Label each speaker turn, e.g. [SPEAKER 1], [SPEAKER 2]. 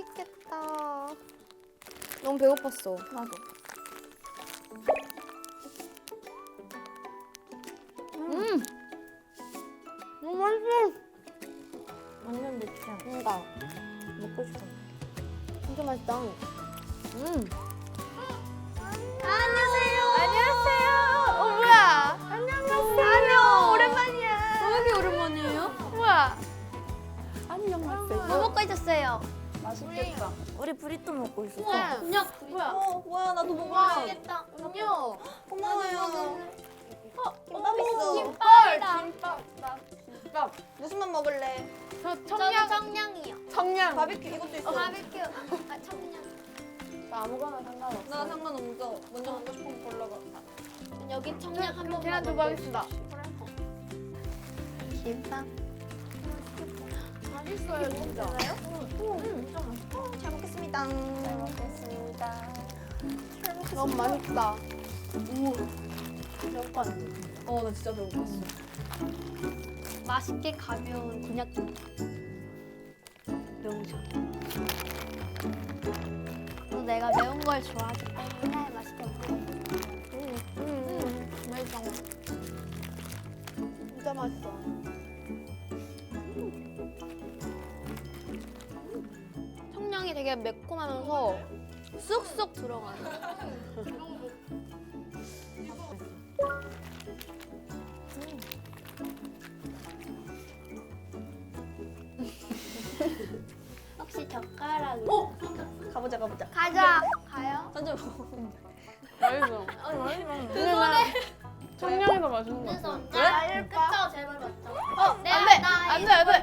[SPEAKER 1] 맛있겠다. 너무 배고팠어.
[SPEAKER 2] 나도.
[SPEAKER 1] 너무 맛있어.
[SPEAKER 2] 완전 내 취향.
[SPEAKER 1] 뭔가
[SPEAKER 2] 먹고 싶어.
[SPEAKER 1] 진짜 맛있다.
[SPEAKER 3] 안녕하세요.
[SPEAKER 1] 안녕하세요. 뭐야? 안녕하세요. 오랜만이야.
[SPEAKER 3] 왜 이렇게 오랜만이에요?
[SPEAKER 1] 뭐야?
[SPEAKER 2] 안녕 맛있어.
[SPEAKER 3] 뭐 먹고 있었어요?
[SPEAKER 2] 맛있겠다. 우리 브리또 먹고 있었어.
[SPEAKER 3] 그냥
[SPEAKER 1] 뭐야?
[SPEAKER 2] 뭐야 나도 먹어.
[SPEAKER 3] 맛있겠다.
[SPEAKER 1] 음료.
[SPEAKER 2] 고마워요. 김밥
[SPEAKER 3] 오,
[SPEAKER 2] 있어.
[SPEAKER 3] 김밥이다.
[SPEAKER 1] 김밥.
[SPEAKER 2] 무슨 맛 먹을래?
[SPEAKER 1] 저
[SPEAKER 3] 저는
[SPEAKER 1] 청양.
[SPEAKER 3] 청량이요.
[SPEAKER 1] 청양.
[SPEAKER 2] 바비큐 이것도 있어.
[SPEAKER 3] 바비큐. 아 청량.
[SPEAKER 1] 나 아무거나 상관없어.
[SPEAKER 2] 나 상관없어. 먼저 먹고 싶은 거 골라봐.
[SPEAKER 3] 여기 청량 한 번.
[SPEAKER 1] 계란 두부 하겠습니다.
[SPEAKER 3] 김밥.
[SPEAKER 1] 맛있어요 진짜.
[SPEAKER 2] 잘 먹겠습니다. 잘 먹겠습니다.
[SPEAKER 1] 너무 맛있다.
[SPEAKER 2] 나 진짜 배고팠어.
[SPEAKER 3] 맛있게 가벼운 곤약김. 명절. 또 내가 매운 걸 좋아하기 때문에 맛있게 먹어.
[SPEAKER 1] 맛있어. 진짜 맛있어. 청량이 되게 매콤하면서 쑥쑥 들어가요.
[SPEAKER 3] 혹시 젓가락이?
[SPEAKER 2] 가보자.
[SPEAKER 3] 가자. 가요?
[SPEAKER 2] 던져 먹어.
[SPEAKER 1] 맛있어. 근데 나 청량이 더 맛있는 것 같아.
[SPEAKER 3] 그래서 그쵸 제발 맞죠?
[SPEAKER 1] 안 돼! 안 돼! 안 돼!